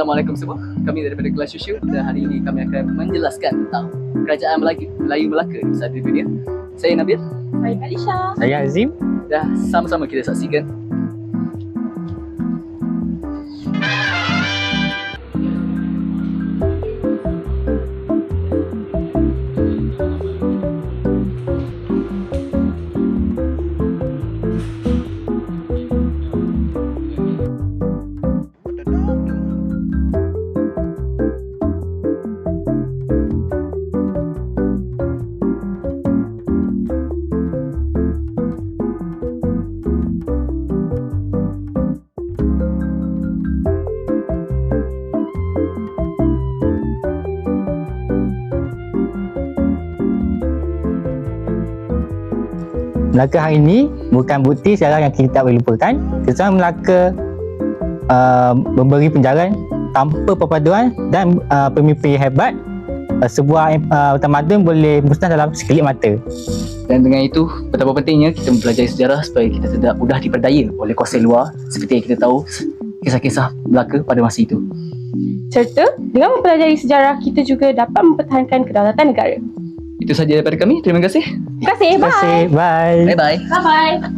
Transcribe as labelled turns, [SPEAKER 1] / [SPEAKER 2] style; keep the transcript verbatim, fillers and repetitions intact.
[SPEAKER 1] Assalamualaikum semua. Kami daripada Kelas Shushu dan hari ini kami akan menjelaskan tentang kerajaan Melayu, Melayu Melaka di seluruh dunia. Saya Nabil.
[SPEAKER 2] Saya Alisha.
[SPEAKER 3] Saya Azim.
[SPEAKER 1] Dah sama-sama kita saksikan.
[SPEAKER 3] Melaka hari ini bukan bukti sejarah yang kita tak boleh lupakan. Keseluruhan Melaka uh, memberi penjarahan tanpa perpaduan dan uh, pemimpin hebat. Uh, sebuah uh, tamadun boleh musnah dalam sekelip mata.
[SPEAKER 1] Dan dengan itu, betapa pentingnya kita mempelajari sejarah supaya kita tidak mudah diperdaya oleh kuasa luar seperti yang kita tahu kisah-kisah Melaka pada masa itu.
[SPEAKER 2] Serta dengan mempelajari sejarah, kita juga dapat mempertahankan kedaulatan negara.
[SPEAKER 1] Itu sahaja daripada kami. Terima kasih.
[SPEAKER 2] Terima kasih.
[SPEAKER 3] Terima kasih. Bye.
[SPEAKER 1] Bye-bye.
[SPEAKER 2] Bye-bye.